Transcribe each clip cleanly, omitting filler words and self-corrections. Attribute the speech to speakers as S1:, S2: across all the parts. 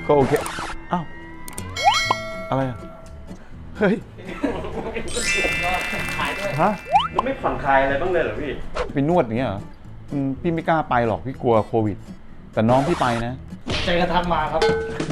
S1: ก็โอเคอ้าวอะไรอ่ะเฮ้ยฮะ
S2: แล้วไม่ผ่อนคลายอะไรบ้างเลยเหรอพี่
S1: ไปนวดอย่างเงี้ยเหรอพี่ไม่กล้าไปหรอกพี่กลัวโควิดแต่น้องพี่ไปนะ
S3: ใจกระทักมาครับ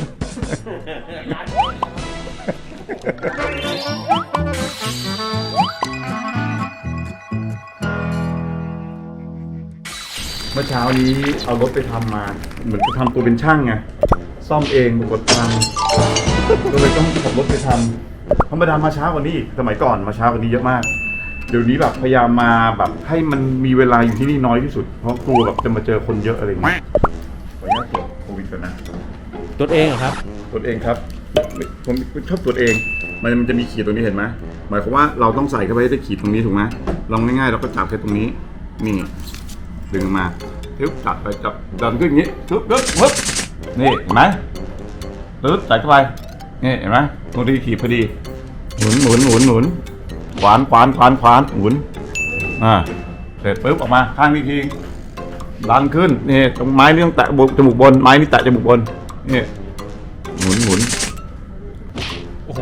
S1: เมื่อเช้านี้เอารถไปทำมาเหมือนจะทำตัวเป็นช่างไงซ่อมเองกดตังก็เลยต้องขับรถไปทำธรรมดามาช้ากว่านี้อีกสมัยก่อนมาช้ากว่านี้เยอะมากเดี๋ยวนี้แบบพยายามมาแบบให้มันมีเวลาอยู่ที่นี่น้อยที่สุดเพราะกลัวแบบจะมาเจอคนเยอะอะไรอย่างเงี้ยขออนุญาตตรวจโควิดก่อนนะ
S3: ตัวเองครับ
S1: ตรวจเองครับผมชอบตรวจเองมันจะมีขีดตรงนี้เห็นไหมหมายความว่าเราต้องใส่เข้าไปให้ได้ขีดตรงนี้ถูกไหมลองง่ายๆเราก็จับแค่ตรงนี้นี่ดึงมาปึ๊บจับไปจับดันขึ้นอย่างนี้ปึ๊บปึ๊บปึ๊บนี่เห็นไหมปึ๊บใส่เข้าไปนี่เห็นไหมตรงนี้ขีดพอดีหมุนหมุนหมุนหมุนขวานขวานขวานขวานหมุนเสร็จปึ๊บออกมาข้างนี้ทีดันขึ้นนี่ตรงไม้นี่ต้องแตะจมูกบนไม้นี่แตะจมูกบนนี่หมุนหมุน
S3: โอ้โห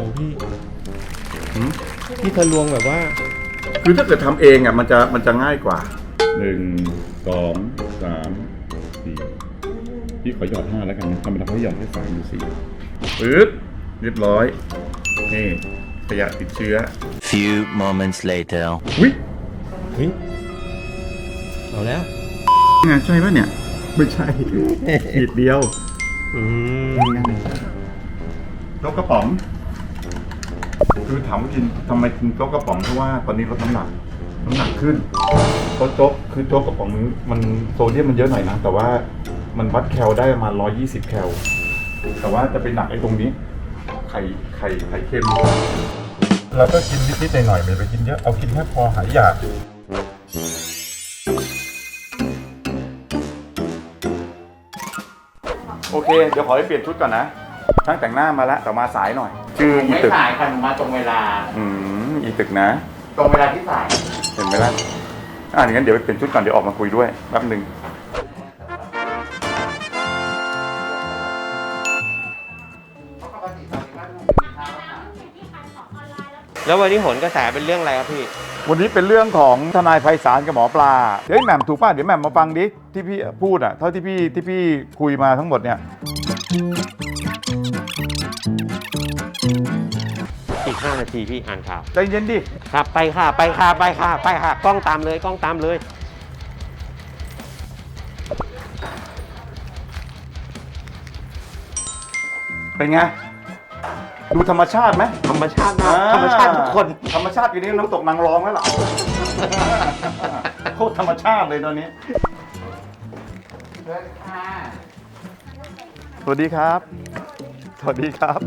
S3: พี่ทะลวงแบบว่า
S1: คือถ้าเกิดทำเองอ่ะมันจะง่ายกว่า1 2 3 4พี่ขอหยอด5แล้วกันนะธรรมดาเขาหยอดแค่3 หรือ 4ปึ๊บเรียบร้อยนี่ขยะติดเชื้อ
S4: Few moments later
S1: วิ
S3: เฮ้ย เอาแล้ว
S1: ไงใช่ไหมเนี่ยไม่ใช่ขีดเดียวโจ๊กกระป๋องคือถามว่ากินทำไมกินโจ๊กกระป๋องเพราะว่าตอนนี้ลดน้ำหนักขึ้นเพราะโจ๊กกระป๋องมันโซเดียมมันเยอะหน่อยนะแต่ว่ามันวัดแคลได้ประมาณ120 แคลแต่ว่าจะเป็นหนักไอ้ตรงนี้ไข่เค็มแล้วก็กินนิดๆหน่อยๆไม่ไปกินเยอะเอากินแค่พอหายอยากโอเคเดี๋ยวขอไปเปลี่ยนชุดก่อนนะช่างแต่งหน้ามาแล้วแต่มาสายหน่อยชื่ออี
S2: ไม่
S1: ตึก
S2: สายค่ะหนูมาตรงเวลา
S1: อีตึกนะ
S2: ตรงเวลาที่สาย
S1: เห็นไหมล่ะอย่างนั้นเดี๋ยวไปเปลี่ยนชุดก่อนเดี๋ยวออกมาคุยด้วยแป๊บนึง
S2: แล้ววันนี้ผลกระแสเป็นเรื่องอะไรครับพี่
S1: วันนี้เป็นเรื่องของทนายไพศาลกับหมอปลาเดี๋ยวแหม่มถูกป่ะเดี๋ยวแหม่มมาฟังดิที่พี่พูดอ่ะเท่าที่พี่คุยมาทั้งหมดเนี่ย
S2: อีก5 นาทีพี่อ่านข่าว
S1: ใจเย็นดิ
S2: ครับไปค่ะกล้องตามเลย
S1: เป็นไงดูธรรมชาติไหม
S2: ธรรมชาติมากธรรมชาติทุกคน
S1: ธรรมชาติอยู่นี่น้ำตกนางรองแล้วล่ะ โคตรธรรมชาติเลยตอนนี้สวัสดีครับ สวัสดีครับ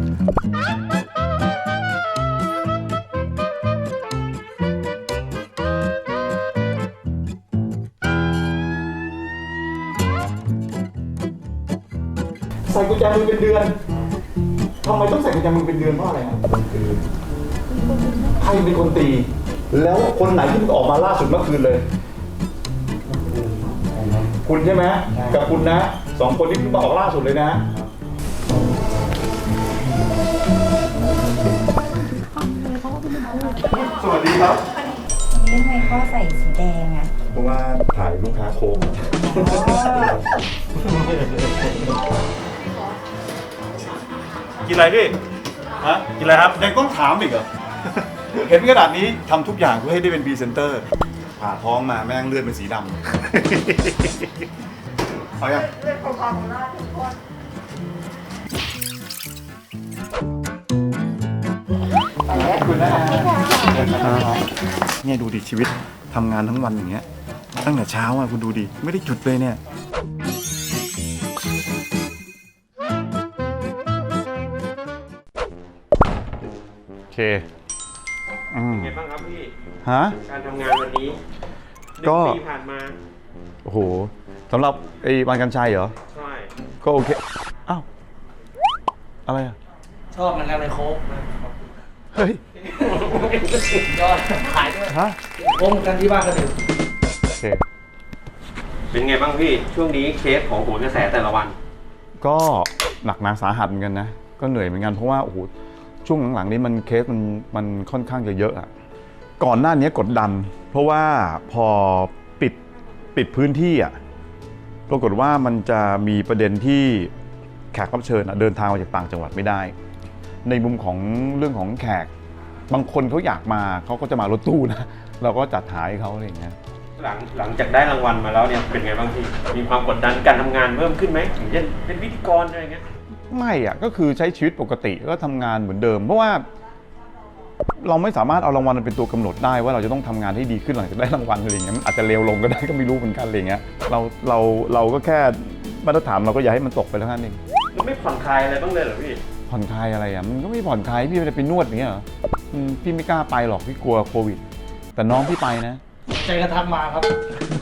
S1: ใส่กุญแจมือเป็นเดือนทำไมต้องใส่กุญแจมือเป็นเดือนเพราะอะไรครับคือใครเป็นคนตี แล้วคนไหนที่มันออกมาล่าสุดเมื่อคืนเลย คุณใช่ไหมกับคุณนะ2 คนที่เพิ่งมาออกล่าสุดเลยนะสวัสดีครับ
S5: วันนี้ทำไมเขาใส่สีแดงอ่ะ
S1: เพราะว่าถ่ายลูกค้าโค้งกินอะไรพี่ฮะกินอะไรครับยังต้องถามอีกเหรอ เห็นขนาดนี้ทำทุกอย่างเพื่อให้ได้เป็นพรีเซนเตอร์ผ่าท้องมาแม่งเลือดเป็นสีดำเอาอย่างเลือดของเราทุกคนคุณนะเนี่ยดูดิชีวิตทำงานทั้งวันอย่างเงี้ยตั้งแต่เช้าอ่ะคุณดูดิไม่ได้หยุดเลยเนี่ยโอเค
S2: ไงบ้างครับพี่
S1: ฮะ
S2: การทำงานวันนี้
S1: ก็
S2: 1 ปีผ่านมา
S1: โอ้โหสำหรับไอ้วันกันชัยเหรอ
S2: ใช่
S1: ก็โอเคอ้าวอะไรอ่ะ
S3: ชอบเหมือนกันเลยโค้กนะ
S1: เฮ้ย
S3: ยอดขายด้วย
S1: ฮะ
S3: โค้กกันที่บ้านก็ดื่ม
S1: โอเค
S2: เป็นไงบ้างพี่ช่วงนี้เคสของโหนกระแสแต่ละวัน
S1: ก็หนักหนาสาหัสเหมือนกันนะก็เหนื่อยเหมือนกันเพราะว่าโอ้โหช่วงหลังๆนี้มันเคสมันค่อนข้างจะเยอะอะก่อนหน้านี้กดดันเพราะว่าพอปิดพื้นที่อะปรากฏว่ามันจะมีประเด็นที่แขกรับเชิญเดินทางมาจากต่างจังหวัดไม่ได้ ในมุมของเรื่องของแขกบางคนเขาอยากมาเขาก็จะมารถตู้นะเราก็จัดหาให้เขาอะไรอย่างเงี้ย
S2: หลังจากได้รางวัลมาแล้วเนี่ยเป็นไงบ้างพี่มีความกดดันการทำงานเพิ่มขึ้นไหมอย่างเช่นเป็นพิธีกรอะไรเงี้ย
S1: ไม่อะก็คือใช้ชีวิตปกติก็ทำงานเหมือนเดิมเพราะว่าเราไม่สามารถเอารางวัลเป็นตัวกำหนดได้ว่าเราจะต้องทำงานให้ดีขึ้นหลังจากได้รางวัลอะไรอย่างเงี้ยมันอาจจะเลวลงก็ได้ก็ไม่รู้เหมือนกันอะไรเงี้ยเราก็แค่มาตรฐานเราก็อย่าให้มันตกไปเท่านั้นเอง
S2: มันไม่ผ่อนคลายอะไรบ้างเลยเหรอพี่
S1: ผ่อนคลายอะไรอ่ะมันก็ไม่ผ่อนคลายพี่ไม่ได้ไปนวดอย่างเงี้ยเหรอพี่ไม่กล้าไปหรอกพี่กลัวโควิดแต่น้องพี่ไปนะ
S3: ใจกระทักมาครับ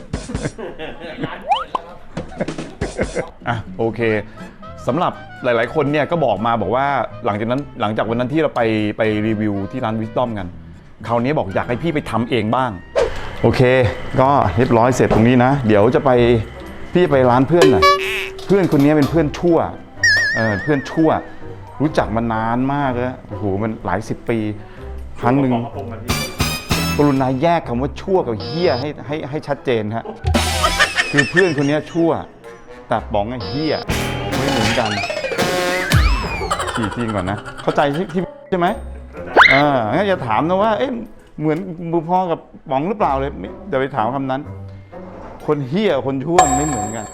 S1: อ่ะโอเคสำหรับหลายๆคนเนี่ยก็บอกมาบอกว่าหลังจากวันนั้นที่เราไปรีวิวที่ร้าน Wisdom กันคราวนี้บอกอยากให้พี่ไปทำเองบ้างโอเคก็เรียบร้อยเสร็จตรงนี้นะเดี๋ยวจะไปพี่ไปร้านเพื่อนหน่อยเพื่อนคนนี้เป็นเพื่อนชั่วเพื่อนชั่วรู้จักมานานมากแล้วโอ้โหมันหลาย10 ปีครั้งหนึ่งกรุณาแยกคำว่าชั่วกับเหี้ยให้ชัดเจนฮะคือเพื่อนคนนี้ชั่วแต่ป๋องไอ้เหี้ยไม่เหมือนกันฉี่ทิ้งก่อนนะเข้าใจที่ใช่ไหมงั้นอย่าถามนะว่าเอ๊ะเหมือนบุพอกับป๋องหรือเปล่าเลยเดี๋ยวไปถามคำนั้นคนเหี้ยคนชั่วไม่เหมือนกัน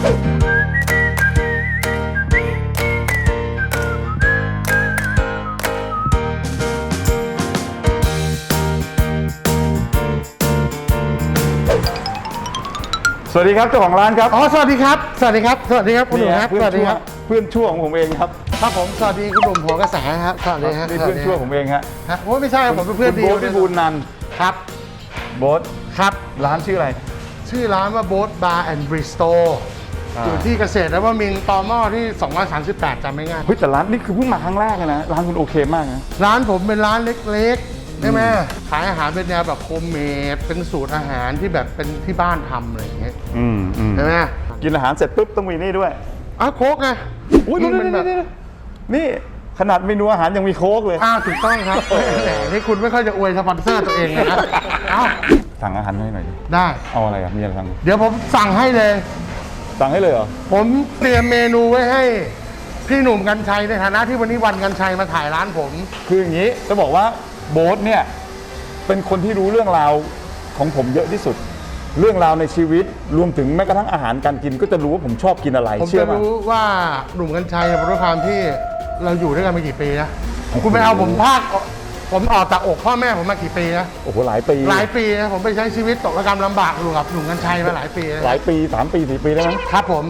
S1: สวัสดีครับเจ้าของร้านครับ
S6: อ๋อสวัสดีครับสวัสดีครับสวัสดีครับคุณหนุ่มครับสวัสดีครับ
S1: เพื่อนชั่วของผมเองครับ
S6: ครับผมสวัสดีคุณหนุ่มหัวกระแสครับสวัสดีครับ
S1: นี่เพื่อนชั่วผมเองฮะ
S6: ฮะโอ้ไม่ใช่ผมเป็นเพื่อนดี
S1: โบ๊ทพิบูลนันท์
S6: ครับ
S1: โบ๊ท
S6: ครับ
S1: ร้านชื่ออะไร
S6: ชื่อร้านว่าโบ๊ทบาร์แอนด์บริสโตอยู่ที่เกษตรนวมินทร์ตมที่238จำไม่ง่าย
S1: เฮ้ยแต่ร้านนี่คือเพิ่งมาครั้งแรกนะร้านคุณโอเคมากนะ
S6: ร้านผมเป็นร้านเล็กๆใช่ไหมขายอาหารเป็นแนวแบบโฮมเมดเป็นสูตรอาหารที่แบบเป็นที่บ้านทำอะไรอย่างเงี้ยใช่ไหม
S1: กินอาหารเสร็จปุ๊บต้องมีนี่ด้วย
S6: อ้าวโค้กไง
S1: อุ้ย
S6: มันแบบ
S1: นี่ขนาดเมนูอาหารยังมีโค้กเลย
S6: อ้าวถูกต้องครับแหมนี่คุณไม่ค่อยจะอวยสปอนเซอร์ตัวเองนะเอ้า
S1: สั่งอาหารให้หน่อยดิ
S6: ได้
S1: เอาอะไรอ่ะมีอะไรสั่ง
S6: เดี๋ยวผมสั่งให้เลย
S1: สั่งให้เลยเหรอ
S6: ผมเตรียมเมนูไว้ให้พี่หนุ่มกัญชัยในฐานะที่วันนี้วันกัญชัยมาถ่ายร้านผม
S1: คืออย่างนี้จะบอกว่าโบ๊ทเนี่ยเป็นคนที่รู้เรื่องราวของผมเยอะที่สุด เรื่องราวในชีวิตรวมถึงแม้กระทั่งอาหารการกินก็จะรู้ว่าผมชอบกินอะไร
S6: ผม
S1: เชื่อ
S6: จะ
S1: ป่ะ
S6: รู้ว่าหนุ่มกัญชัยเพราะด้วยความที่เราอยู่ด้วยกันมากี่ปีนะคุณไปเอาผมผมออกจากอกพ่อแม่ผมมากี่ปีนะ
S1: โอ้โหหลายปี
S6: หลายปีนะผมไปใช้ชีวิตตกระกำลำบากอยู่กับหนุ่มกัญชัยมาหลายปีนะ
S1: หลายปี3 ปี4 ปีแล้วมั้ง
S6: ครับผม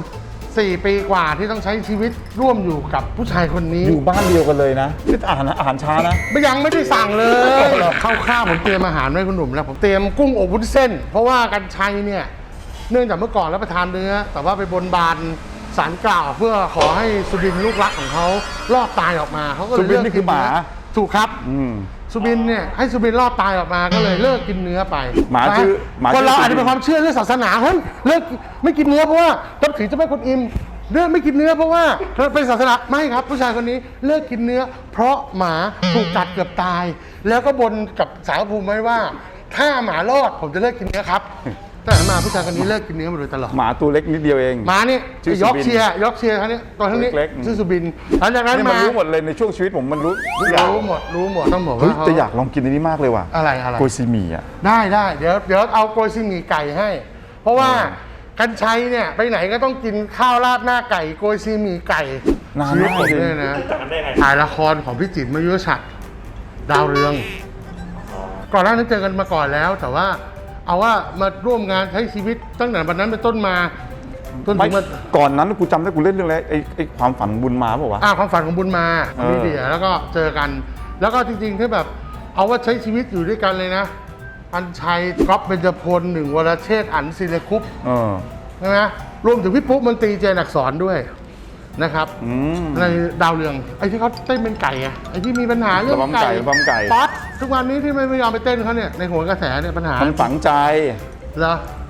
S6: 4 ปีกว่าที่ต้องใช้ชีวิตร่วมอยู่กับผู้ชายคนนี้
S1: อยู่บ้านเดียวกันเลยนะนี่อาหารช้านะ
S6: ยังไม่ได้สั่งเลยข้าวๆผมเตรียมอาหารไว้คุณหนุ่มแล้วผมเตรียมกุ้งอบวุ้นเส้น เพราะว่ากัญชัยเนี่ยเนื่องจากเมื่อก่อนรับประทานเนื้อแต่ว่าไปบนบานศาลกล่าวเพื่อขอให้สุบินลูกรักของเขารอดตายออกมาเขาก็เลย
S1: สุบินนี่คือหมา
S6: ถูกครับสุบินเนี่ยให้สุบินรอดตายออกมาก็เลยเลิกกินเนื้อไป
S1: หมาชื่อหมาชื่อ
S6: คนเราอาจจะเป็นความเชื่อเรื่องศาสนาเฮ้ยเลิกไม่กินเนื้อเพราะว่าต้องถือเจ้าแม่กวนอิมเลิกไม่กินเนื้อเพราะว่าเป็นศาสนาไม่ครับผู้ชายคนนี้เลิกกินเนื้อ เพราะหมาถูกกัดเกือบตาย แล้วก็บนกับสารภูมิไว้ว่า ถ้าหมารอดผมจะเลิกกินเนื้อครับแต่มาผู้ชายคนนี้เลิกกินเนื้อมาโดยตลอด
S1: หมาตัวเล็กนิดเดียวเอง
S6: หมานี่
S1: ชื่อสุ
S6: ย
S1: บิ
S6: ก
S1: น
S6: เชียร์ท่านนี้ตัวท่านนี้
S1: เล็กๆ
S6: ชื่อสุบินหลังจากนั้น
S1: นี่มัน
S6: มา
S1: รู้หมดเลยในช่วงชีวิตผมมันรู้ทุกอย่าง
S6: รู้หมดต้องบอก
S1: เฮ้ย
S6: ว่า
S1: จะอยากลองกินอันนี้มากเลยว่ะ
S6: อะไร
S1: โกยซีหมี่อ่ะ
S6: ได้เดี๋ยวเอาโกยซีหมี่ไก่ให้ เพราะว่ากัญชัยเนี่ยไปไหนก็ต้องกินข้าวราดหน้าไก่โกยซีหมี่ไก่
S1: นาน
S6: ชีวิต
S1: มาก
S6: ผม
S1: เลย
S6: เนี่ยนะถ่ายละครของพี่จิตรมยุรชัดดาวเรือง ก่อนหน้านั้นเจอกันมาก่อนแล้ว แต่ว่าเอาว่ามาร่วมงานใช้ชีวิตตั้งแต่วันนั้นเป็นต้นมาจน
S1: ไม่
S6: ถึงมา
S1: ก่อนนั้นกูจำได้กูเล่นเรื่องอะไรไอ้ความฝันบุญมาเปล่าวะ
S6: ความฝันของบุญมา
S1: เออ
S6: มีเดียแล้วก็เจอกัน แล้วก็จริงๆที่แบบเอาว่าใช้ชีวิตอยู่ด้วยกันเลยนะอัญชัยก๊อฟเบญจพล1วรเชษฐ์อั๋นศิลคุป ใช่ไหมรวมถึงพี่ปุ๊มนตรีเจนอักษรด้วยนะครับในดาวเรืองไอ้ที่เขาเต้นเป็นไก่อะไอ้ที่มีปัญหาเรื่อง
S1: ระบำไก่ระบำไก่
S6: ป๊อตทุกวันนี้ที่ไม่ยอมไปเต้นเขาเนี่ยในโหัวกระแสเนี่ยปัญหา
S1: มันฝังใจ
S6: เหรอ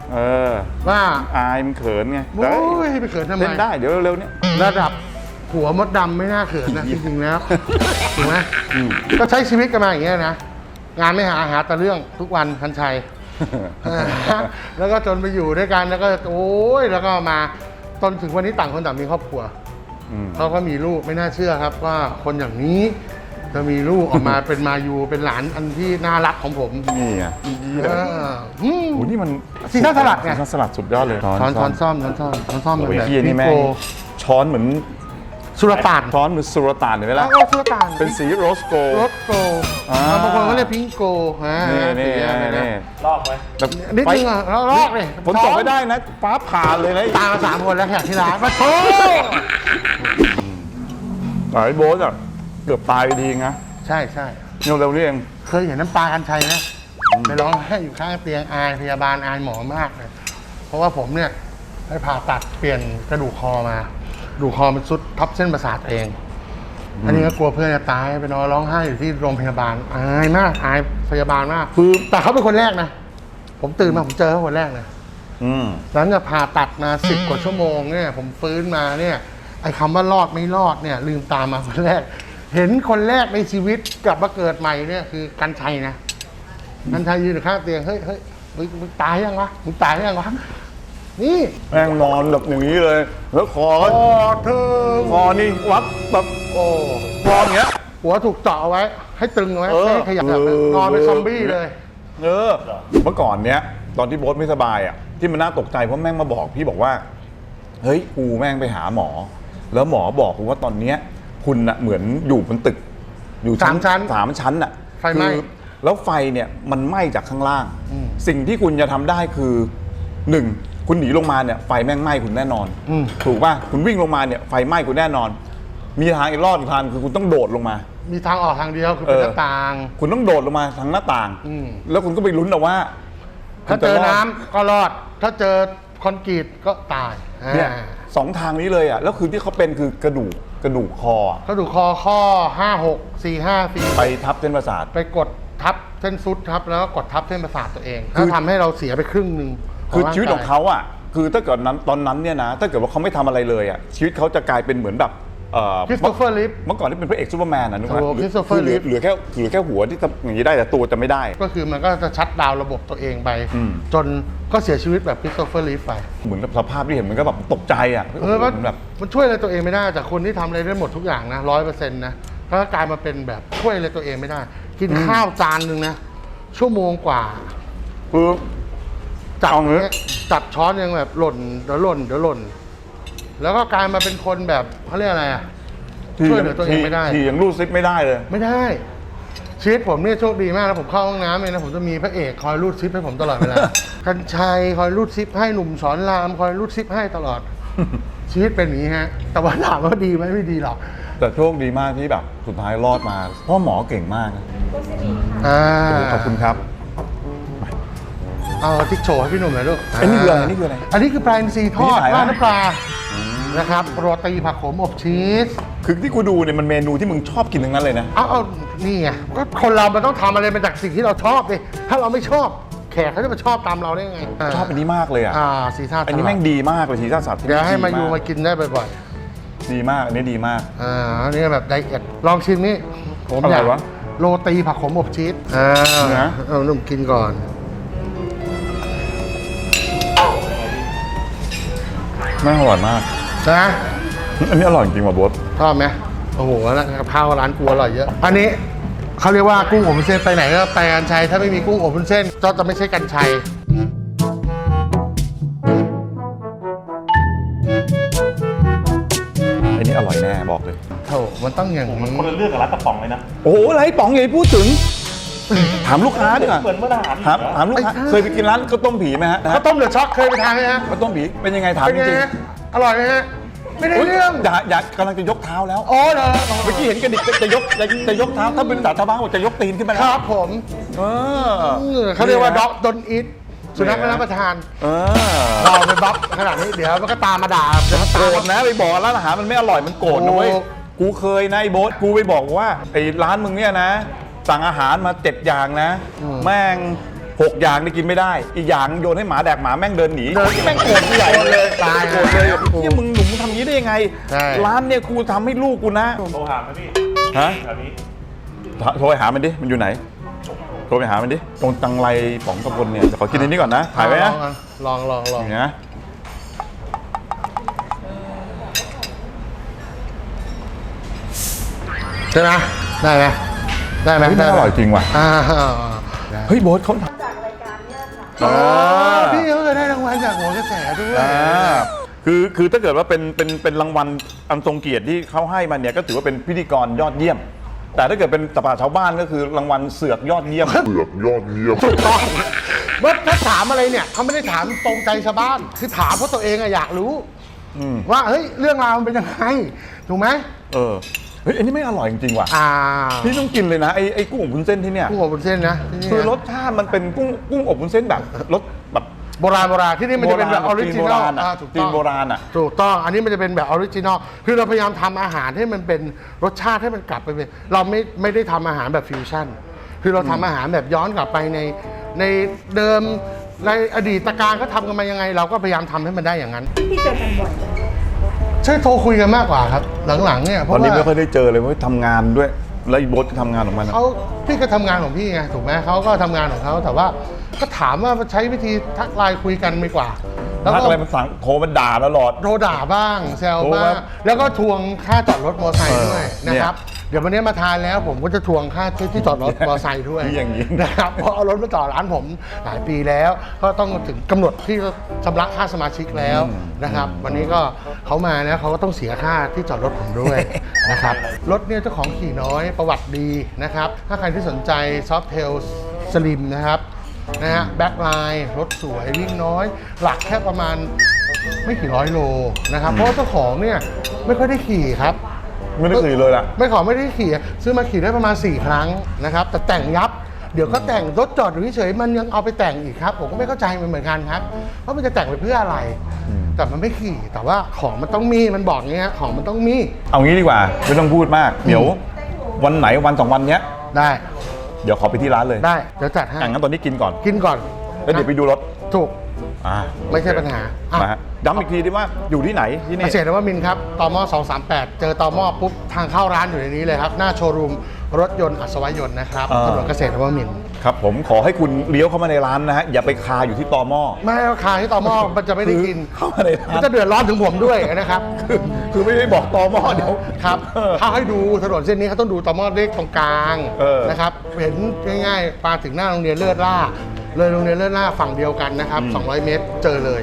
S1: เออ
S6: ว่า
S1: อายมันเขินไง
S6: โอ้ยไปเขินทำไม
S1: เล่นได้เดี๋ยวเร็วๆเนี่ย
S6: ระดับหัวมดดำไม่น่าเขินนะ จริงๆแล้วถูกไหม
S1: อืม
S6: ก็ใช้ชีวิตกันมาอย่างเงี้ยนะ งานไม่หาแต่เรื่องทุกวันคันชัย แล้วก็จนไปอยู่ด้วยกันแล้วก็โอ้ยแล้วก็มาจนถึงวันนี้ต่างคนต่างมีครอบครัว
S1: อืม
S6: เขาก็มีลูกไม่น่าเชื่อครับว่าคนอย่างนี้จะมีลูกออกมา เป็นมายูเป็นหลานอันที่น่ารักของผม
S1: นี่ไง
S6: เอออืม
S1: โอ้นี่มัน
S6: ซีซ่าสลัดไง
S1: ซีซ่าสลัดสุดยอดเลย
S6: ช้อนซ่อมช้อนซ่อม
S1: โอ้ย
S6: แบบ
S1: เฮียนี่แม่
S6: โก
S1: งช้อนเหมือน
S6: สุรต่าน
S1: ช้อนเหมือนสุรต่านเห็นไหม
S6: แล้
S1: ล่ะ
S6: วก็สุรต่าน
S1: เป็นสีโรสโก
S6: รสโก
S1: อ่า
S6: บางคนก็เรียกพิงโกฮะ
S1: นี่นี่
S6: สีอะไรนะ
S1: นี่
S2: ลอกไว้
S1: แบบ
S6: นิดนึงอ่ะแล้วลอกเลย
S1: ฝนตกไม่ได้นะฟ้าผ่าเลยนะ
S6: ตามมา3 คนแล้วแขกที่ร้านมาโถ
S1: ไอ้โบ๊ทอ่ะเกือบตายไปดีนะ
S6: ใช่ใช่
S1: เนี่ยเร็วนี่เอง
S6: เคยเห็นน้ำปลากันชัยไหมไปร้องให้อยู่ข้างเตียงอายพยาบาลอายหมอมากเลย เพราะว่าผมเนี่ยไปผ่าตัดเปลี่ยนกระดูกคอมากระดูกคอมันซุดทับเส้นประสาทเอง อันนี้ก็กลัวเพื่อนจะตายไปนอนร้องไห้อยู่ที่โรงพยาบาลอายมากอายพยาบาลมากคือแต่เขาเป็นคนแรกนะผมตื่นมาผมเจอเขาคนแรกเลย
S1: อืม
S6: หลังจากผ่าตัดมา10 กว่าชั่วโมงเนี่ยผมฟื้นมาเนี่ยไอ้คำว่ารอดไม่รอดเนี่ยลืมตามาคนแรก เห็นคนแรกในชีวิตกลับมาเกิดใหม่เนี่ยคือกันชัยนะกันชัยยืนอยู่ข้างเตียงเฮ้ยมึงตายยังวะมึงตายยังวะนี่
S1: แม่งนอนแบบอย่างนี้เลย แล้วคอก็
S6: โอ้เธอ
S1: คอนี่วัดแบบ
S6: โอ้
S1: คออย่างเงี้ย
S6: หัวถูกเจาะเอาไว้ ให้ตึงเอาไว้
S1: เออ
S6: ไม่ให้ขยับแบบนอนเป็นซอมบี้เลย
S1: เออเมื่อก่อนเนี้ยตอนที่โบ๊ทไม่สบายอ่ะที่มันน่าตกใจเพราะแม่งมาบอกพี่บอกว่าเฮ้ยกูแม่งไปหาหมอ แล้วหมอบอกกูว่าตอนเนี้ยคุณน่ะเหมือนอยู่บนตึก อยู่
S6: 3 ชั้น
S1: 3 ชั้นน่ะ
S6: ไฟไหม้
S1: คือแล้วไฟเนี่ยมันไหม้จากข้างล่าง
S6: อืม
S1: สิ่งที่คุณจะทำได้คือ 1. คุณหนีลงมาเนี่ยไฟแม่งไหม้คุณแน่นอน
S6: อืม
S1: ถูกป่ะคุณวิ่งลงมาเนี่ยไฟไหม้คุณแน่นอน มีทางอีกรอดอีกทางคือคุณต้องโดดลงมา
S6: มีทางออกทางเดียวคือเป็นหน้าต่าง
S1: คุณต้องโดดลงมาทางหน้าต่าง
S6: อืม
S1: แล้วคุณก็ไปลุ้นเอาว่า
S6: ถ้าเจอน้ำก็รอด ถ้าเจอคอนกรีตก็ตาย
S1: เนี่ย
S6: อ่า
S1: 2 ทางนี้เลยอ่ะแล้วคือที่เขาเป็นคือกระดูกคออะ
S6: กระดูกคอข้อ 5 6 4 5 4
S1: ไปทับเส้นประสาท
S6: ไปกดทับเส้นซุดทับแล้วก็กดทับเส้นประสาทตัวเอง
S1: คือ
S6: ถ้าทำให้เราเสียไปครึ่งหนึ่ง
S1: คือ
S6: ร่กย
S1: ชีวิตของเขาอ่ะคือถ้าเกิดนั้นตอนนั้นเนี่ยนะถ้าเกิดว่าเขาไม่ทำอะไรเลยอ่ะชีวิตเขาจะกลายเป็นเหมือนแบบ
S6: คริสโตเฟอร์ลิฟ
S1: เมื่อก่อนที่เป็นพระเอกซูเปอร์แมนนะนึกว่า
S6: โอ้ Christopher
S1: เหลือแค่หัวที่ทำอย่างนี้ได้แต่ตัวจะไม่ได้
S6: ก็คือมันก็จะชัดดาวน์ระบบตัวเองไป
S1: อืม
S6: จนก็เสียชีวิตแบบคริสโตเฟอร์ลิฟไป
S1: เหมือนกับสภาพที่เห็นมันก็แบบตกใจอ่ะ
S6: มัน
S1: แบบ
S6: มันช่วยอะไรตัวเองไม่ได้จากคนที่ทำอะไรได้หมดทุกอย่างนะ100%นะถ้ากลายมาเป็นแบบช่วยอะไรตัวเองไม่ได้ กินข้าวจานหนึ่งนะชั่วโมงกว่า
S1: คือ
S6: จับ
S1: เอางี้
S6: เนี่ยจับช้อนยังแบบหล่นเดี๋ยวหล่น แล้วก็กลายมาเป็นคนแบบเขาเรียกอะไรอ่ะ ช่วยเหลือตัวเองไม่ได้
S1: ที่ยังรูดซิปไม่ได้เลย
S6: ไม่ได้ ชีวิตผมเนี่ยโชคดีมากนะผมเข้าห้องน้ำเลยนะผมจะมีพระเอกคอยรูดซิปให้ผมตลอดเวลา กัญชัยคอยรูดซิปให้หนุ่มสอนรามคอยรูดซิปให้ตลอด ชีวิตเป็นอย่างนี้ฮะ แต่ว่าถามว่าดีไหมไม่ดีหรอก
S1: แต่โชคดีมากที่แบบสุดท้ายรอดมาเพราะหมอเก่งมากนะ
S6: อ่า
S1: โอ้โหขอบคุณครับ
S6: เอาติ๊กโชว์ให้พี่หนุ่มหน่อยลูก
S1: อันนี้คืออะไรนี่คืออะไร
S6: อันนี้คือปลาอินทรีทอด
S1: นี่ขายอะไร
S6: ราดน้ำปลานะครับโรตีผักขมอบชีส
S1: คือที่กูดูเนี่ยมันเมนูที่มึงชอบกินทั้งนั้นเลยนะ
S6: เอานี่ไงก็คนเรามันต้องทำอะไรมาจากสิ่งที่เราชอบดิถ้าเราไม่ชอบ แขกเขาจะมาชอบตามเราได้ไง
S1: ชอบอันนี้มากเลยอ่ะ
S6: ซีซ่า
S1: อันนี้แม่งดีมากเลยทีซ่าสัตว์ที่
S6: เดี๋ยวให้
S1: ดี
S6: มายูมากินได้บ่อย
S1: ดีมากอันนี้ดีมาก
S6: ๆอันนี้แบบไดเอทลองชิมนี่ผม
S1: อะไร
S6: อยาก
S1: วะ
S6: โรตีผักขมอบชีส
S1: นะ
S6: เอาหนุ่มกินก่อน
S1: แม่งอร่อยมาก
S6: นะ
S1: อันนี้อร่อยจริงว่ะโบ๊ท
S6: ชอบไหมโอ้โหแล้วกะเพราร้านกูอร่อยเยอะ อันนี้เขาเรียกว่ากุ้งอบวุ้นเส้นไปไหนก็ไปกันชัยถ้าไม่มีกุ้งอบวุ้นเส้นก็จะไม่ใช่กันชัย
S1: อันนี้อร่อยแน่บอกเลย
S6: โถมันต้องอย่างนี้
S2: คนละเรื่องกับร้านกระป๋องเลยนะ
S1: โอ้โหไรป๋องอย่าไปพูดถึง ถามลูกค้าดีกว่า
S2: เหมือนเมื่ออาหาร
S1: ถามลูกค้าเคยไปกินร้านข้าวต้มผีไหมฮะ
S6: ข้าวต้มเดือดช็อกเคยไปทานไหมฮะ
S1: ข้าวต้มผีเป็นยังไงถาม
S6: เป็น
S1: จ
S6: ไง
S1: ริง
S6: ฮะอร่อยไหมฮะไม่ได้
S1: ๆอุ๊ย
S6: เรื่อง
S1: อย่ากำลังจะยกเท้าแล้ว
S6: โอ้เหรอ
S1: เมื่อกี้เห็นกระดิกจะยกเท้าถ้าเป็นภาษาชาวบ้านบอกจะยกตีนขึ้นมา
S6: ค
S1: แล้ว
S6: รับผม
S1: เออ
S6: เขาเรียกว่าด็อกดนอิทสุนัขไม่รับประทาน
S1: เออ
S6: เราไปบัฟขนาดนี้เดี๋ยวมันก็ตามมาด่าเดี๋ยวมัน
S1: โกร
S6: ตาม
S1: ธ
S6: มา
S1: นะไปบอกร้านอาหารมันไม่อร่อยมันโกรธนะเว้ย
S6: โอ้
S1: กูเคยนะไอ้โบ๊ทกูไปบอกว่าไอ้ร้านมึงเนี่ยนะ สั่งอาหารมา7 อย่างนะ แม่ง 6 อย่างนี่กินไม่ได้ อีกอย่างโยนให้หมาแดกหมาแม่งเดินหนีแม่งโกรธกูใหญ่
S6: โกรธเลยตาย
S1: โกรธเลยเนี่ยมึงหนุ่มทำงี้ได้ยังไง
S6: ใช่
S1: ร้านเนี่ยกูทำให้ลูกกูนะ
S2: โทรหาไหมพี่
S1: ฮะ
S2: แถวนี้
S1: โทรไปหามันดิ มันอยู่ไหน โทรไปหามันดิ ตรงตังไรป๋องตะพลเนี่ยขอกินอันนี้ก่อนนะ ถ่ายไว้นะ
S6: ลอง
S1: อย่างนี้นะ
S6: ใช่ไหมได้ไหมได้ไหม
S1: เฮ้ยมันอร่อยจริงว่ะ
S6: อ่า
S1: เฮ้ยโบ๊ทเขาท
S6: อ๋อพี่เขาเคยได้รางวัลจากหัวกระแสด้วย
S1: คือถ้าเกิดว่าเป็นรางวัลอันทรงเกียรติที่เขาให้มาเนี่ยก็ถือว่าเป็นพิธีกรยอดเยี่ยม แต่ถ้าเกิดเป็นตลาดชาวบ้านก็คือรางวัลเสือกยอดเยี่ยม
S6: ถูกต้องเมื่อถ้าถามอะไรเนี่ยเขาไม่ได้ถามตรงใจชาวบ้าน คือถามเพราะตัวเองอะอยากรู้ว่าเฮ้ยเรื่องราวมันเป็นยังไงถูกไหม
S1: เฮ้ยอันนี้ไม่อร่อยจริงๆว่ะ พี่ต้องกินเลยนะไอ้กุ้งอบวุ้นเส้นที่เนี่ย
S6: กุ้งอบวุ้นเส้นนะที่นี่
S1: คือรสชาติมันเป็นกุ้งอบวุ้นเส้นแบบรสแบบ
S6: โบราณที่นี่มันจะเป็นแบบออริจินอล
S1: ถูกจีนโบราณอ่ะ
S6: ถูกต้องอันนี้มันจะเป็นแบบออริจินอลคือเราพยายามทำอาหารให้มันเป็นรสชาติให้มันกลับไปเป็นเราไม่ได้ทำอาหารแบบฟิวชั่นคือเราทำอาหารแบบย้อนกลับไปในเดิมในอดีตการเขาทำกันมายังไง เราก็พยายามทำให้มันได้อย่างนั้น
S5: พี่เจอกันบ่อย
S6: ใช่โทรคุยกันมากกว่าครับ หลังๆเนี่ยเพ
S1: ตอน
S6: ราะ
S1: นี้ไม่ค่อ
S6: ว่าย
S1: ได้เจอเลยเพราะทำงานด้วย แล้วไอ้โบ๊ทก็ทำงานของมันอะ
S6: เขาพี่ก็ทำงานของพี่ไงถูกไหมเขาก็ทำงานของเขาแต่ว่าก็ถามว่าใช้วิธีทักไลน์คุยกันดีกว่า แล้ว
S1: ทัก
S6: ก็
S1: อะไรมันสั่งโทรมันด่าตลอด
S6: โทรด่าบ้างแซว
S1: โทร
S6: บ้า
S1: มา
S6: งแล้วก็ทวงค่าจอดรถมอเตอร์ไซค์ด้วย
S1: เนี่ย
S6: นะครับเดี๋ยววันนี้มาทานแล้วผมก็จะทวงค่าที่จอดรถมอเตอร์ไซค์ด้วย
S1: นี่อย่างนี้
S6: นะครับเพราะเอารถมาจอดร้านผมหลายปีแล้ว ก็ต้องถึงกำหนดที่ชำระค่าสมาชิกแล้วนะครับ วันนี้ก็เขามานะเขาก็ต้องเสียค่าที่จอดรถผมด้วย นะครับรถเนี่ยเจ้าของขี่น้อยประวัติดีนะครับ ถ้าใครที่สนใจซอฟเทลสลิมนะครับนะฮะแบ็คไลน์รถสวยวิ่งน้อย หลักแค่ประมาณไม่กี่ร้อยโลนะครับเพราะว่าเจ้าของเนี่ยไม่ค่อยได้ขี่ครับ
S1: ไม่ได้ขี่เลยล่ะ
S6: ไม่ได้ขี่ซื้อมาขี่ได้ประมาณ4 ครั้งนะครับแต่แต่งยับเดี๋ยวก็แต่งรถจอดอยู่เฉยๆมันยังเอาไปแต่งอีกครับผมก็ไม่เข้าใจมันเหมือนกันครับว่ามันจะแต่งไปเพื่ออะไร แต่มันไม่ขี่แต่ว่าของมันต้องมีมันบอกเงี้ยของมันต้องมี
S1: เอางี้ดีกว่าไม่ต้องพูดมาก เดี๋ยววันไหนวัน2 วันเนี้ย
S6: ได้
S1: เดี๋ยวขอไปที่ร้านเลย
S6: ได้เดี๋ยวจัดให้
S1: งั้นตอนนี้กินก่อน
S6: กินก่อน
S1: แล้วเดี๋ยวไปดูรถ
S6: ถูก
S1: อ่า
S6: ไม่ใช่ปัญหาอ่ะ
S1: นะฮะย้ำอีกทีดีว่าอยู่ที่ไหนที่นี่
S6: เกษตรนวมินทร์ครับตม238 เจอตมปุ๊บทางเข้าร้านอยู่ในนี้เลยครับ หน้าโชว์รูมรถยนต์อัศวยนต์นะครับถนนเกษตรนวมินทร์
S1: ครับผมขอให้คุณเลี้ยวเข้ามาในร้านนะฮะอย่าไปคาอยู่ที่ตอหม้อ
S6: ไม่ให้ราคาที่ตมมันจะไม่ได้กิน
S1: เข้ามาในร้าน
S6: มันจะเดือดร้อนถึงผมด้วยนะครับ
S1: คือไม่ได้บอกตอหม้อเดี๋ยว
S6: ครับถ้าให้ดูถนนเส้นนี้เขาต้องดูตมเลขตรงกลาง
S1: เออ
S6: นะครับเห็นง่ายๆมาถึงหน้าโรงเรียนเลิศล่าเลยโรงเรียนเลิศล่าฝั่งเดียวกันนะครับ200 เมตรเจอเลย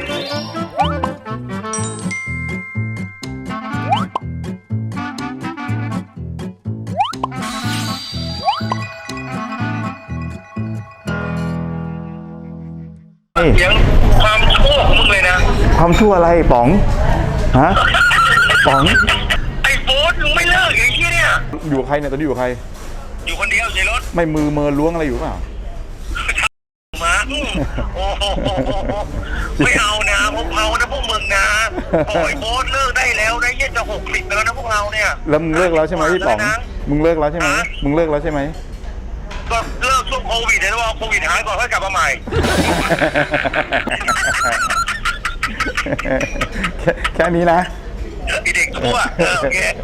S7: เสียงความชั่วของมึงเลยนะ
S1: ความชั่วอะไรป๋องฮะป๋อง
S7: ไอ้โบ๊ทมึงไม่เลิกไอ้ที่เนี่ย
S1: อยู่กับใครเนี่ยตอนนี้อยู่กับใคร
S7: อยู่คนเดียวในรถ
S1: ไม่มือเมินล้วงอะไรอยู่เปล่า
S7: มาโอ้โหไม่เอานะพวกเรานะพวกมึงนะโอ้ยโบ๊ทเลิกได้แล้วนะยี่จะ60แล้วนะพวกเราเนี่ย
S1: แล้วมึงเลิกแล้วใช่ไหมพี่ป๋อง
S7: นะ
S1: มึงเลิกแล้วใช่ไหมมึงเลิกแล้วใช่ไหม
S7: ก็เลิกช่วงโควิดเลยนะว่าโควิดหายก่อนค่อยกลับมาใหม่
S1: แค่นี้นะ
S7: ไอเด็กชั่วโอเค